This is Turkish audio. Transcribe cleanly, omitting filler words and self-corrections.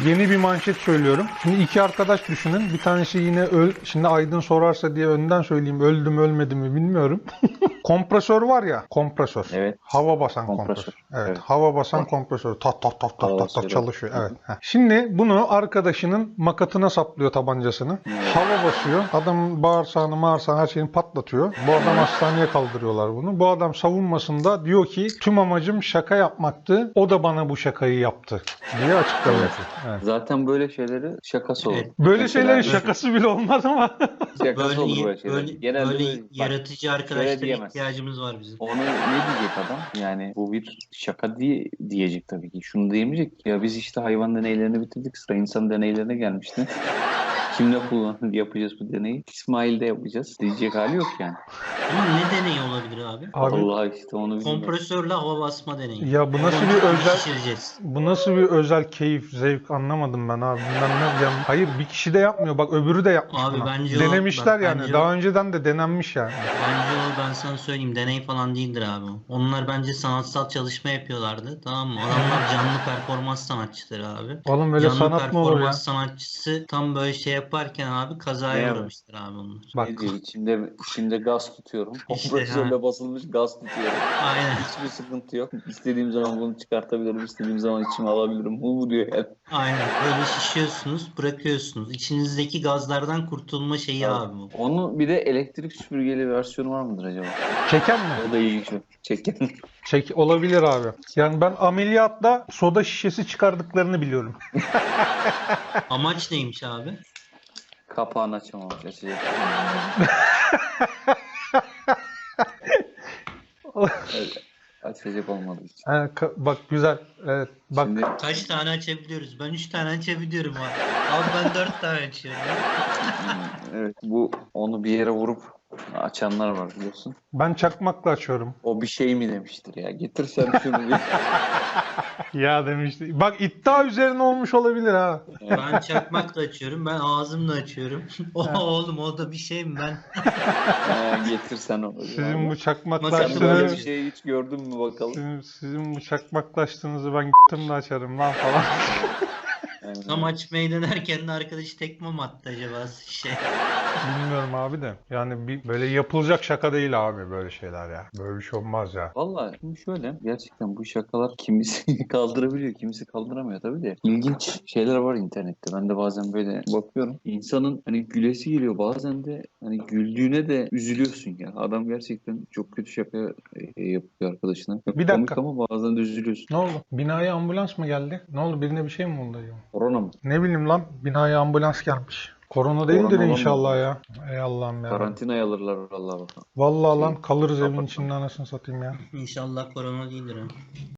yeni bir manşet söylüyorum. Şimdi iki arkadaş düşünün. Bir tanesi yine şimdi Aydın sorarsa diye önden söyleyeyim. Öldü mü ölmedi mi bilmiyorum. Kompresör var ya. Kompresör. Evet. Hava basan Kompresör. Evet. Evet. Hava basan Var. kompresör. Tak tak tak tak Hava tak tak basıyor. çalışıyor. Hı hı. Evet. Heh. Şimdi bunu arkadaşının makatına saplıyor tabancasını. Hava basıyor. Adam bağırsağını her şeyini patlatıyor. Bu adam hastaneye kaldırıyorlar bunu. Bu adam savunmasında diyor ki tüm amacım şaka yapmaktı. O da bana bu şakayı yaptı diye açıklama yapıyor. Evet. Zaten böyle şeyleri şakası olur. Evet. Böyle Mesela şeylerin şakası bile olmaz ama şakası olur böyle şeyler. böyle, Genelde böyle böyle, bak, yaratıcı şöyle arkadaşlara diyemez. ihtiyacımız var bizim. Onu ne diyecek adam? Yani bu bir şaka diyecek tabii ki. Şunu diyemeyecek ki, ya biz işte hayvan deneylerini bitirdik, sıra insan deneylerine gelmişti. Kimle yapacağız bu deneyi? İsmail'de yapacağız diyecek hali yok yani. Ama ne deneyi olabilir abi? abi Allah işte onu bilmiyorum. Kompresörle hava basma deneyi. ya bu nasıl bir Boncuk özel şişireceğiz. bu nasıl bir özel keyif, zevk anlamadım ben abi. Hayır bir kişi de yapmıyor. Bak öbürü de yapmış Abi bunu. bence Denemişler bak, yani. bence Daha önceden de denenmiş yani. Bence o, ben sana söyleyeyim, deney falan değildir abi. Onlar bence sanatsal çalışma yapıyorlardı. Tamam mı? Adamlar canlı performans sanatçıları abi. Oğlum öyle Canlı sanat mı olur ya? performans sanatçısı tam böyle şey yaparken abi kazaya Ne uğramıştır abi onlar. Bak Ne diyor? İçimde gaz tutuyorum. İşte Kompresörle ha. basılmış gaz tutuyorum. Aynen. Hiçbir sıkıntı yok. İstediğim zaman bunu çıkartabilirim. İstediğim zaman içime alabilirim. Bu diyor yani. Aynen. Böyle şişiyorsunuz, bırakıyorsunuz. İçinizdeki gazlardan kurtulma şeyi abi bu. Onun bir de elektrik süpürgeli versiyonu var mıdır acaba? çeken mi? O da ilginç. Çeken. Olabilir abi. Yani ben ameliyatta soda şişesi çıkardıklarını biliyorum. Amaç neymiş abi? Kapağını açamamış. Açacak. Evet, açacak olmadığı için. Ha, bak güzel. Evet. Bak Şimdi Kaç tane açabiliyoruz? Ben 3 tane açabiliyorum abi. Abi ben 4 tane açıyorum. evet, bu onu bir yere vurup açanlar var biliyorsun. ben çakmakla açıyorum. O bir şey mi demiştir ya? Getir sen şunu bir. Ya demişti. Bak iddia üzerine olmuş olabilir ha. Ben çakmakla açıyorum. Ben ağzımla açıyorum. Oğlum o da bir şey mi ben? Getir sen onu. Sizin bu Sen çakmaklaştığınızı böyle bir şeyi hiç gördün mü bakalım? sizin bu çakmaklaştığınızı ben gittim de açarım lan falan. Yani, Tam açmayı denerken de arkadaşı tekme mi attı acaba şey? Bilmiyorum abi de. Yani böyle yapılacak şaka değil abi böyle şeyler ya. Böyle bir şey olmaz ya. vallahi şimdi şöyle, gerçekten bu şakalar kimisi kaldırabiliyor, kimisi kaldıramıyor tabii de. İlginç şeyler var internette. Ben de bazen böyle bakıyorum. İnsanın hani gülesi geliyor, bazen de hani güldüğüne de üzülüyorsun ya. Adam gerçekten çok kötü şaka yapıyor arkadaşına. Çok Bir komik dakika. ama bazen de üzülüyorsun. Ne oldu? Binaya ambulans mı geldi? Ne oldu? Birine bir şey mi oldu? Korona mı? Ne bileyim lan. Binaya ambulans gelmiş. Korona değildir Korona inşallah olamaz. ya. Ey Allah'ım ya. Karantinaya alırlar vallahi bakalım. Vallahi Şey, lan kalırız evin kapatma. içinde anasını satayım ya. İnşallah korona değildir ha.